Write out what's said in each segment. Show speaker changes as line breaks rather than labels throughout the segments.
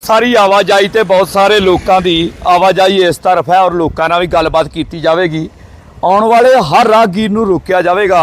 ਸਾਰੀ ਆਵਾਜਾਈ ਤੇ ਬਹੁਤ ਸਾਰੇ ਲੋਕਾਂ ਦੀ ਆਵਾਜਾਈ ਇਸ ਤਰਫ ਹੈ ਔਰ ਲੋਕਾਂ ਨਾਲ ਵੀ ਗੱਲਬਾਤ ਕੀਤੀ ਜਾਵੇਗੀ। ਆਉਣ ਵਾਲੇ ਹਰ ਰਾਹਗੀਰ ਨੂੰ ਰੋਕਿਆ ਜਾਵੇਗਾ।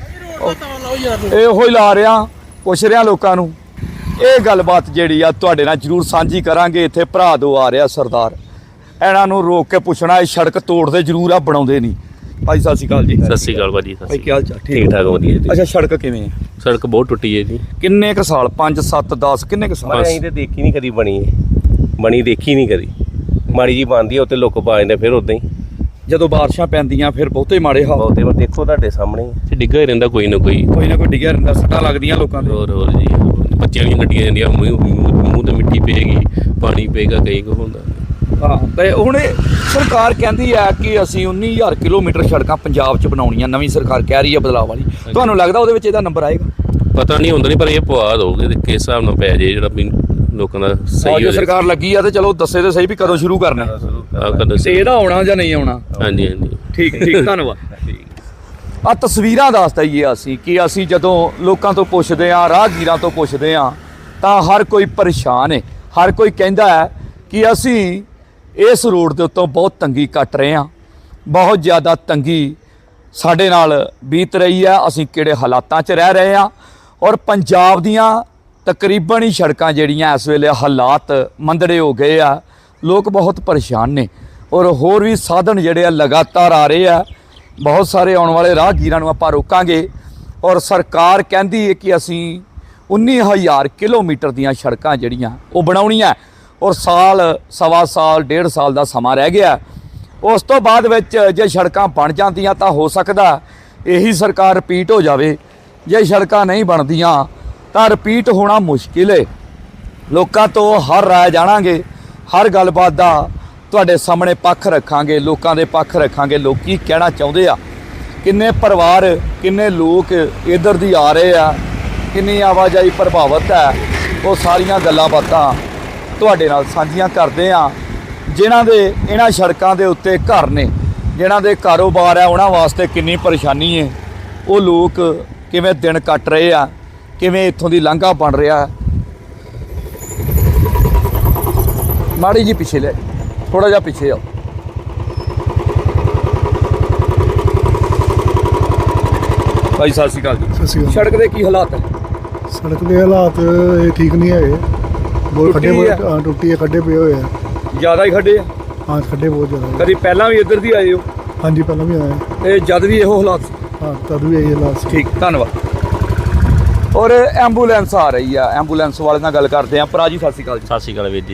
ਇਹੋ ਹੀ ਲਾ ਰਿਹਾ, ਪੁੱਛ ਰਿਹਾ ਲੋਕਾਂ ਨੂੰ। ਇਹ ਗੱਲਬਾਤ ਜਿਹੜੀ ਆ ਤੁਹਾਡੇ ਨਾਲ ਜ਼ਰੂਰ ਸਾਂਝੀ ਕਰਾਂਗੇ। ਇੱਥੇ ਭਰਾ ਦੋ ਆ ਰਿਹਾ ਸਰਦਾਰ, ਇਹਨਾਂ ਨੂੰ ਰੋਕ ਕੇ ਪੁੱਛਣਾ ਇਹ ਸੜਕ ਤੋੜਦੇ ਜ਼ਰੂਰ ਆ, ਬਣਾਉਂਦੇ ਨਹੀਂ। ਭਾਈ ਸਤਿ ਸ਼੍ਰੀ ਅਕਾਲ ਜੀ।
ਸਤਿ ਸ਼੍ਰੀ ਅਕਾਲ ਭਾਜੀ।
ਭਾਈ ਕੀ ਹਾਲ ਚਾਲ?
ਠੀਕ ਠਾਕ ਵਧੀਆ ਜੀ।
ਅੱਛਾ, ਸੜਕ ਕਿਵੇਂ ਹੈ?
ਸੜਕ ਬਹੁਤ ਟੁੱਟੀ ਹੈ ਜੀ।
ਕਿੰਨੇ ਕੁ ਸਾਲ? 5 7 10 ਕਿੰਨੇ ਕੁ ਸਾਲ?
ਅਸੀਂ ਤੇ ਦੇਖੀ ਨਹੀਂ ਕਦੀ ਬਣੀ ਦੇਖੀ ਨਹੀਂ ਕਦੀ। ਮਾੜੀ ਜੀ ਬਣਦੀ ਹੈ ਉੱਤੇ ਲੋਕ ਪਾ ਜਾਂਦੇ, ਫਿਰ ਉਦਾਂ ਹੀ
ਜਦੋਂ ਬਾਰਿਸ਼ਾਂ ਪੈਂਦੀਆਂ ਫਿਰ ਬਹੁਤੇ ਮਾੜੇ ਹਾਲ।
ਬਹੁਤੇ ਵਾਰ ਦੇਖੋ ਤੁਹਾਡੇ ਸਾਹਮਣੇ ਡਿੱਗਾ ਹੀ ਰਹਿੰਦਾ ਕੋਈ ਨਾ ਕੋਈ
ਡਿੱਗਿਆ ਰਹਿੰਦਾ, ਸੱਟਾਂ ਲੱਗਦੀਆਂ ਲੋਕਾਂ ਦੇ।
ਹੋਰ ਜੀ, ਬੱਚਿਆਂ ਦੀਆਂ ਗੱਡੀਆਂ ਜਾਂਦੀਆਂ, ਮੂੰਹ ਤੇ ਮਿੱਟੀ ਪਏਗੀ, ਪਾਣੀ ਪਏਗਾ, ਕਈ ਕੁ ਹੁੰਦਾ।
ਹਾਂ, ਤੇ ਹੁਣ ਸਰਕਾਰ ਕਹਿੰਦੀ ਹੈ ਕਿ ਅਸੀਂ 19,000 ਕਿਲੋਮੀਟਰ ਸੜਕਾਂ ਪੰਜਾਬ 'ਚ ਬਣਾਉਣੀਆਂ। ਨਵੀਂ ਸਰਕਾਰ ਕਹਿ ਰਹੀ ਹੈ ਬਦਲਾਅ ਵਾਲੀ। ਤੁਹਾਨੂੰ ਲੱਗਦਾ ਉਹਦੇ ਵਿੱਚ ਇਹਦਾ ਨੰਬਰ ਆਏਗਾ?
ਪਤਾ ਨਹੀਂ ਹੁੰਦਾ, ਨਹੀਂ ਪਰ ਇਹ ਪਵਾ ਦੋਗੇ ਤੇ ਕਿਸ ਹਿਸਾਬ ਨਾਲ ਪੈ ਜੇ ਜਿਹੜਾ ਵੀ ਲੋਕਾਂ ਦਾ ਸਹੀ
ਜੋ ਸਰਕਾਰ ਲੱਗੀ ਆ ਤੇ ਚਲੋ ਦੱਸੇ ਤੇ ਸਹੀ ਵੀ ਕਦੋਂ ਸ਼ੁਰੂ ਕਰਨਾ ਤੇ ਇਹਦਾ ਆਉਣਾ ਜਾਂ ਨਹੀਂ ਆਉਣਾ।
ਹਾਂਜੀ ਹਾਂਜੀ,
ਠੀਕ ਧੰਨਵਾਦ। ਆ ਤਸਵੀਰਾਂ ਦੱਸ ਦਈਏ ਅਸੀਂ ਕਿ ਅਸੀਂ ਜਦੋਂ ਲੋਕਾਂ ਤੋਂ ਪੁੱਛਦੇ ਹਾਂ, ਰਾਹਗੀਰਾਂ ਤੋਂ ਪੁੱਛਦੇ ਹਾਂ, ਤਾਂ ਹਰ ਕੋਈ ਪਰੇਸ਼ਾਨ ਹੈ। ਹਰ ਕੋਈ ਕਹਿੰਦਾ ਹੈ ਕਿ ਅਸੀਂ ਇਸ ਰੋਡ ਦੇ ਉੱਤੋਂ ਬਹੁਤ ਤੰਗੀ ਕੱਟ ਰਹੇ ਹਾਂ, ਬਹੁਤ ਜ਼ਿਆਦਾ ਤੰਗੀ ਸਾਡੇ ਨਾਲ ਬੀਤ ਰਹੀ ਹੈ। ਅਸੀਂ ਕਿਹੜੇ ਹਾਲਾਤਾਂ 'ਚ ਰਹਿ ਰਹੇ ਹਾਂ ਔਰ ਪੰਜਾਬ ਦੀਆਂ ਤਕਰੀਬਨ ਹੀ ਸੜਕਾਂ ਜਿਹੜੀਆਂ ਇਸ ਵੇਲੇ ਹਾਲਾਤ ਮੰਦੜੇ ਹੋ ਗਏ ਆ। ਲੋਕ ਬਹੁਤ ਪਰੇਸ਼ਾਨ ਨੇ ਔਰ ਹੋਰ ਵੀ ਸਾਧਨ ਜਿਹੜੇ ਆ ਲਗਾਤਾਰ ਆ ਰਹੇ ਆ। ਬਹੁਤ ਸਾਰੇ ਆਉਣ ਵਾਲੇ ਰਾਹਗੀਰਾਂ ਨੂੰ ਆਪਾਂ ਰੋਕਾਂਗੇ ਔਰ ਸਰਕਾਰ ਕਹਿੰਦੀ ਹੈ ਕਿ ਅਸੀਂ 19,000 ਕਿਲੋਮੀਟਰ ਦੀਆਂ ਸੜਕਾਂ ਜਿਹੜੀਆਂ ਉਹ ਬਣਾਉਣੀਆਂ ਔਰ ਸਾਲ ਸਵਾ ਸਾਲ 1.5 ਸਾਲ ਦਾ ਸਮਾਂ ਰਹਿ ਗਿਆ। ਉਸ ਤੋਂ ਬਾਅਦ ਵਿੱਚ ਜੇ ਸੜਕਾਂ ਬਣ ਜਾਂਦੀਆਂ ਤਾਂ ਹੋ ਸਕਦਾ ਇਹੀ ਸਰਕਾਰ ਰਿਪੀਟ ਹੋ ਜਾਵੇ। ਜੇ ਸੜਕਾਂ ਨਹੀਂ ਬਣਦੀਆਂ ਤਾਂ ਰਿਪੀਟ ਹੋਣਾ ਮੁਸ਼ਕਿਲ ਹੈ। ਲੋਕਾਂ ਤੋਂ ਹਰ ਰਾਏ ਜਾਣਾਂਗੇ, ਹਰ ਗੱਲਬਾਤ ਦਾ ਤੁਹਾਡੇ ਸਾਹਮਣੇ ਪੱਖ ਰੱਖਾਂਗੇ, ਲੋਕਾਂ ਦੇ ਪੱਖ ਰੱਖਾਂਗੇ। ਲੋਕ ਕੀ ਕਹਿਣਾ ਚਾਹੁੰਦੇ ਆ, ਕਿੰਨੇ ਪਰਿਵਾਰ, ਕਿੰਨੇ ਲੋਕ ਇੱਧਰ ਦੀ ਆ ਰਹੇ ਆ, ਕਿੰਨੀ ਆਵਾਜਾਈ ਪ੍ਰਭਾਵਿਤ ਹੈ, ਉਹ ਸਾਰੀਆਂ ਗੱਲਾਂ ਬਾਤਾਂ ਤੁਹਾਡੇ ਨਾਲ ਸਾਂਝੀਆਂ ਕਰਦੇ ਆ। ਜਿਨ੍ਹਾਂ ਦੇ ਇਹਨਾਂ ਸੜਕਾਂ ਦੇ ਉੱਤੇ ਘਰ ਨੇ, ਜਿਨ੍ਹਾਂ ਦੇ ਕਾਰੋਬਾਰ ਹੈ, ਉਹਨਾਂ ਵਾਸਤੇ ਕਿੰਨੀ ਪਰੇਸ਼ਾਨੀ ਹੈ। ਉਹ ਲੋਕ ਕਿਵੇਂ ਦਿਨ ਕੱਟ ਰਹੇ ਆ, ਕਿਵੇਂ ਇੱਥੋਂ ਦੀ ਲਾਂਘਾ ਬਣ ਰਿਹਾ। ਮਾੜੀ ਜੀ ਪਿੱਛੇ ਲੈ, ਥੋੜਾ ਜਿਹਾ ਪਿੱਛੇ ਆਓ। ਭਾਈ ਸਤਿ ਸ਼੍ਰੀ ਅਕਾਲ ਜੀ।
ਸਤਿ ਸ਼੍ਰੀ ਅਕਾਲ।
ਸੜਕ ਦੇ ਕੀ ਹਾਲਾਤ ਹੈ?
ਸੜਕ ਦੇ ਹਾਲਾਤ ਇਹ ਠੀਕ ਨਹੀਂ ਹੈਗੇ। ਬਹੁਤ ਖੱਡੇ ਟੁੱਟੀ ਹੈ, ਖੱਡੇ ਪਏ ਹੋਏ ਆ।
ਜ਼ਿਆਦਾ ਹੀ ਖੱਡੇ ਆ?
ਹਾਂ, ਖੱਡੇ ਬਹੁਤ ਜ਼ਿਆਦਾ।
ਕਦੀ ਪਹਿਲਾਂ ਵੀ ਇੱਧਰ ਦੀ ਆਏ ਹੋ?
ਹਾਂਜੀ, ਪਹਿਲਾਂ ਵੀ ਆਏ।
ਤੇ ਜਦ ਵੀ ਇਹੋ ਹਾਲਾਤ?
ਹਾਂ, ਤਦ ਵੀ ਇਹੀ ਹਾਲਾਤ ਸੀ।
ਠੀਕ, ਧੰਨਵਾਦ। ਔਰ ਐਂਬੂਲੈਂਸ ਆ ਰਹੀ ਆ, ਐਂਬੂਲੈਂਸ ਵਾਲੇ ਨਾਲ ਗੱਲ ਕਰਦੇ ਆ। ਭਰਾ ਜੀ ਸਤਿ ਸ਼੍ਰੀ ਅਕਾਲ ਜੀ।
ਸਤਿ ਸ਼੍ਰੀ ਅਕਾਲ ਵੀਰ ਜੀ।